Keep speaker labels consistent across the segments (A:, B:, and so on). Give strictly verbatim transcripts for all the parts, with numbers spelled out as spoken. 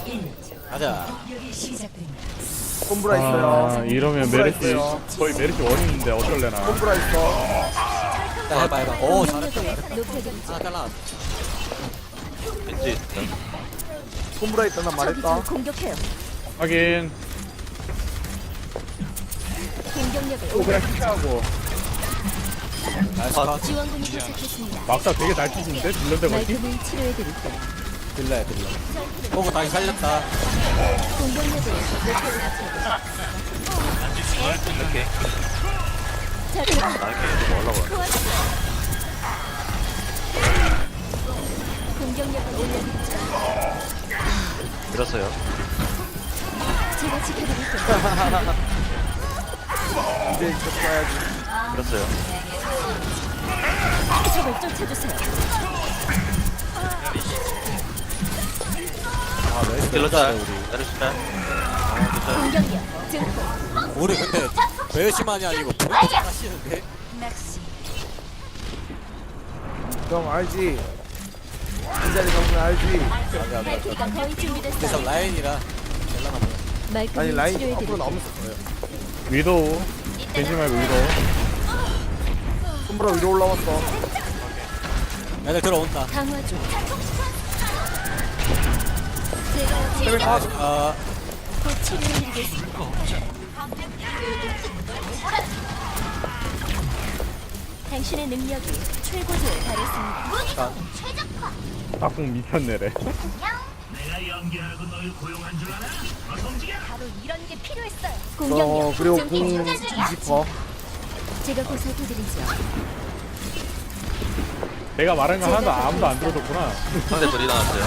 A: 가자.
B: 콤브라 있어요.
C: 아, 이러면
B: 콤브라
C: 메르시
B: 있어요.
C: 거의 메르시 원인인데 어쩔래나.
B: 콤브라 있어.
A: 자, 해봐, 해봐. 오, 잘했다. 하나 잘라.
D: 왠지
B: 콤브라 있다 난 말했다.
E: 공격해요.
C: 하긴
E: 공격력을
C: 또 그냥 피하고
A: 나이스 컷.
E: 지원군이 도착했습니다.
C: 막사 되게 잘 치시는데 딜런데 거지?
E: 말끔히 치료해드릴게요.
A: 빌라야, 빌라. 보고 다시 살렸다.
E: 공격력을 높여드릴게요.
D: 이렇게
E: 자,
D: 나에게 좀 올라가.
E: 공격력을 올려드리죠.
D: 밀었어요.
E: 제가 지켜드릴게요.
B: 이제 이쪽 가야지.
D: 밀었어요.
E: 적을 쫓아주세요.
A: 아, 나이스.
D: 딜러자
A: 우리.
D: 내려주면
E: 공격력 증폭.
A: 우리 근데 배심만이 아니고 보이도 잘하시는데?
B: 형 알지? 이 자리 정말 알지?
E: 발키가 거의
A: 그래서
E: 준비됐어요.
A: 라인이라 연락하고.
B: 아니
E: 말끔히
B: 라인 앞으로
E: 치료해드릴게요.
B: 나오면 거예요.
C: 위도우 겐지 말고 위도우.
B: 콤브라 위로 올라왔어.
A: 애들 들어온다.
E: 강화 중. 제가
B: 세븐 컷.
A: 아,
E: 곧 치료해드리겠습니다. 당신의 능력이 최고조에 달했습니다.
C: 딱공 미쳤네래.
E: 바로 이런 게 필요했어요.
B: 어
E: 공격력
B: 그리고
E: 증폭.
B: 공 뒤집어.
E: 제가 보살펴드리죠.
C: 내가 말한 거 하나도 아무도 안 들어줬구나.
D: 상대 둘이 나왔어요.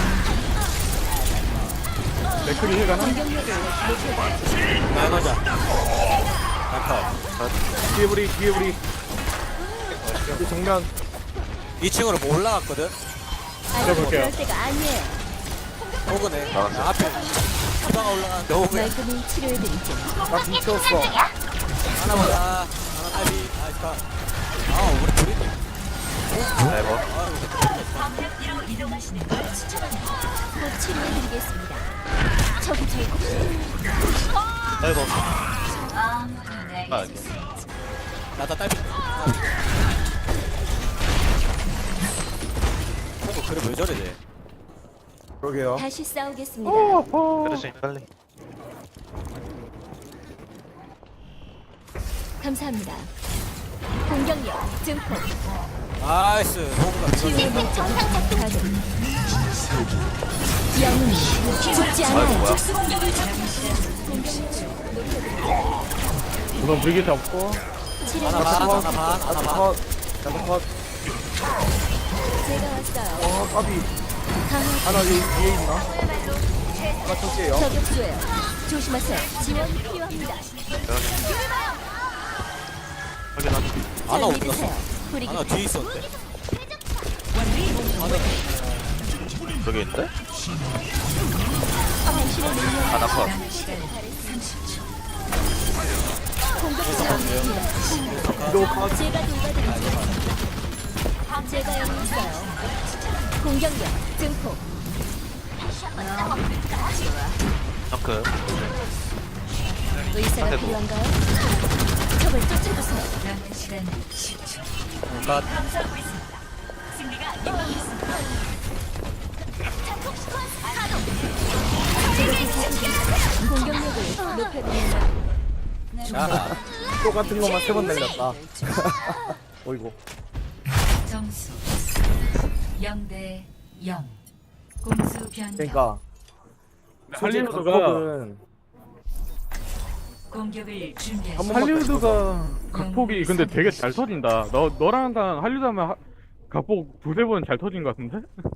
C: 맥크리 힐 가나?
E: 공격력을 높여드리죠.
A: 라인 하자. 라인
B: 뒤에 우리 뒤에 우리. 이제 정면.
A: 이 층으로 뭐 올라갔거든?
E: 아니,
C: 해볼게요.
E: 그럴 때가 아니에요.
A: 호그네.
D: 나왔어.
A: 나 앞에 기바가 올라가는데 호그야.
E: 말끔히 치료해드리죠.
B: 나 뒤쳤어.
A: 하나 보자. 하나 딸비. 나이스 컷. 아, 우리 둘이.
D: 네버.
E: 곧 치료해드리겠습니다. 저기 저기.
D: 네버. 아,
A: 나다 딸비. 호그 그래 왜 저래 쟤?
B: 그러게요.
E: 다시 싸우겠습니다.
D: 메르시 빨리.
E: 감사합니다. 공격력 증폭.
A: 나이스. 호그가
E: 치유의 정상 작동 가동. 영웅이 죽지
D: 아이고
E: 않아요.
D: 뭐야.
C: 우선 브리기트 없고
A: 하나 반, 하나 반, 하나
B: 나도
A: 반.
B: 컷. 나도 컷.
E: 제가 왔어요.
B: 어 까비.
E: 강화
B: 하나 여기 뒤에 있나? 하나 첫째요.
E: 저격수예요. 조심하세요. 지원 필요합니다.
D: 확인 확인.
A: 하나
E: 잘
A: 어디
E: 믿으세요.
A: 갔어?
E: 브리기
A: 하나 뒤에 있었는데?
D: 저기 있는데?
E: 당신의 능력
D: 하나 컷.
E: 공격수입니다.
B: 위로 컷.
E: 제가 돌봐드리죠. 제가 여기 있어요. 공격력 증폭.
D: 덩크.
E: 의사가
D: 상대도.
E: 필요한가요? 적을 쫓아주세요.
A: 컷.
E: 공격력을 높여드립니다.
A: 자,
B: 똑같은 것만 세 번 날렸다. 어이구.
F: 점수 영 대 영. 공수 변경.
B: 그러니까
C: 할리우드가
B: 각폭은
F: 공격을 준비하시.
B: 한 번만
C: 할리우드가 각폭이 근데 되게 잘 터진다. 너 너랑 항상 할리우드 하면 하, 각폭 두세 번 잘 터진 것 같은데?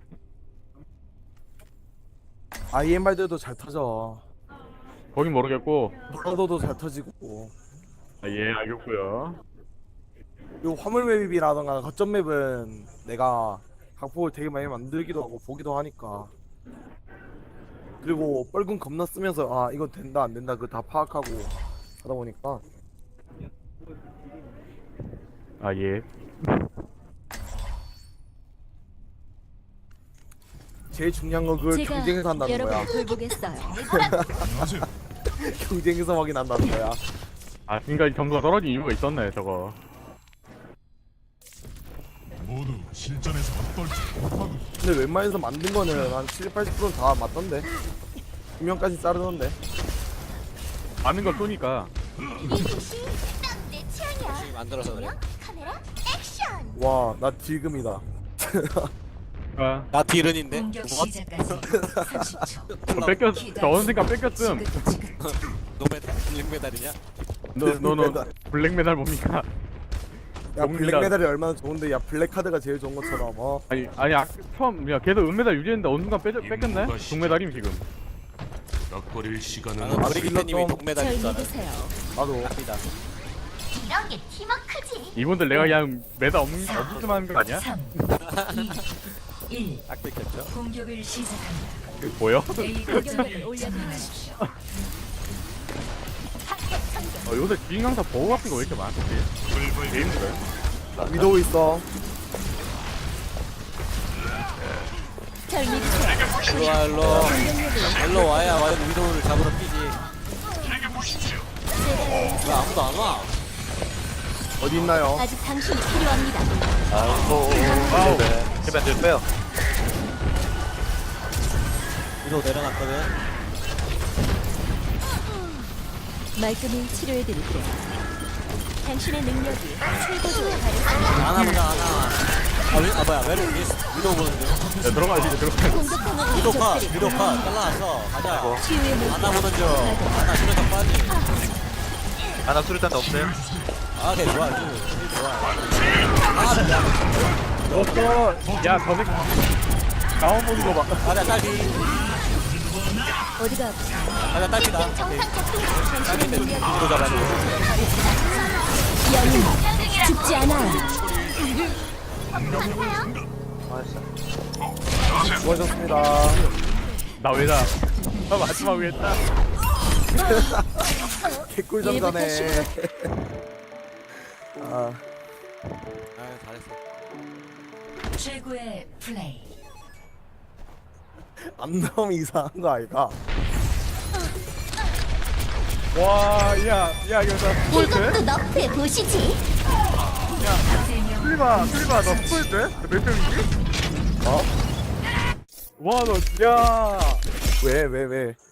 B: 아이엠알들도 잘 터져.
C: 거긴 모르겠고.
B: 블러더도 잘 터지고.
C: 아, 예 알겠고요.
B: 요 화물 맵이라던가 거점 맵은 내가 각폭을 되게 많이 만들기도 하고 보기도 하니까. 그리고 뻘군 겁나 쓰면서 아 이건 된다 안 된다 그 다 파악하고 하다 보니까
C: 아 예.
B: 제일 중요한 건 그걸
E: 제가
B: 경쟁에서 한다는 거야.
E: 여러분을 돌보겠어요.
B: 경쟁에서 확인한다는 거야.
C: 아 지금까지 점수가 떨어진 이유가 있었네 저거.
G: 모두 실전에서 어떨지 하고
B: 근데 웬만해서 만든 거는 한 칠십, 팔십 퍼센트 다 맞던데. 분명까지 자르던데.
C: 많은 걸 쏘니까.
E: 내 취향이야.
A: 열심히 만들어서 그래.
E: 카메라 액션.
B: 와, 나 지금이다.
C: 아
A: 나 딜은인데.
F: 공격
A: 뭐?
F: 시작까지 삼십 초.
C: 저 뺏겼 저 언젠가 뺏겼음.
A: 노메달, 블랙메달이냐?
C: 너너너 블랙메달 뭡니까?
B: 야,
C: 뭡니다.
B: 블랙메달이 얼마나 좋은데, 야, 블랙카드가 제일 좋은 것처럼, 어.
C: 아니 아니 아, 처음 야 걔도 은메달 유지했는데 어느 순간 뺏, 뺏겼네? 동메달임 지금.
G: 락거릴 시간은
A: 나는
B: 아,
A: 브리기테님이
B: 빌런 좀-
A: 동메달
E: 절
A: 있잖아.
E: 믿으세요.
B: 나도.
A: 납니다.
E: 이런 게 팀워크지.
C: 이분들 내가 그냥 메달 없, 없으면 하는 거 아니야?
F: 삼, 이, 일.
A: 딱 뺏겼죠?
F: 공격을 시작합니다.
C: 그 보여?
F: A
E: 공격을
F: 거점을
E: 올려드리십시오.
F: 점령하십시오.
C: 어, 요새 주인 강사 보호 같은 거 왜 이렇게 많지? 왜 힘들어요?
B: 위도우 있어.
E: 절 믿으세요.
A: 일로와 일로. 일로 와야 와야 위도우를 잡으러 뛰지. 왜 아무도 안 와?
B: 어디 있나요?
E: 아직 당신이 필요합니다.
D: 아이고.
C: 와우.
D: 힐벤 들 빼요.
A: 위도우 내려놨거든.
E: 말끔히 치료해드릴게요. 당신의 능력이 최고조에 달했습니다.
A: 안아 보자 안아. 아, 위, 아 뭐야 왜 이렇게 위도우 보는데?
C: 야 들어가야지 이제 들어가.
E: 공격하는
A: 위도우 컷
E: 적들이
A: 위도우 컷 잘라놨어. 가자.
E: 치유의 물결.
A: 안아 보는 중. 안아 수련장 빠지.
D: 하나 수류탄 없어요?
A: 아, 네 좋아. 힐 좋아. 아, 미안.
C: 없어. 야 저새 나온 보는 거 봐.
A: 가자 딸기.
E: 어디가 아프세요?
A: 가자 딸기다. 오케이. 딸기인데 위도우 잡아야 돼.
E: 영웅 죽지 않아.
B: 수고하셨습니다.
C: 나 왜다? 나 마지막 왜 했다?
B: 개꿀 좀 전에. 아,
A: 아, 잘했어.
F: 최고의 플레이.
B: 안 나오면 이상한 거 아이가?
C: 와, 야, 야 이거 나 스포일 돼?
E: 이것도 너프해 보시지.
F: 세명
C: 슬리바, 슬리바 너 스포일 돼? 몇 점이지?
B: 어?
C: 와, 너, 야,
B: 왜, 왜, 왜?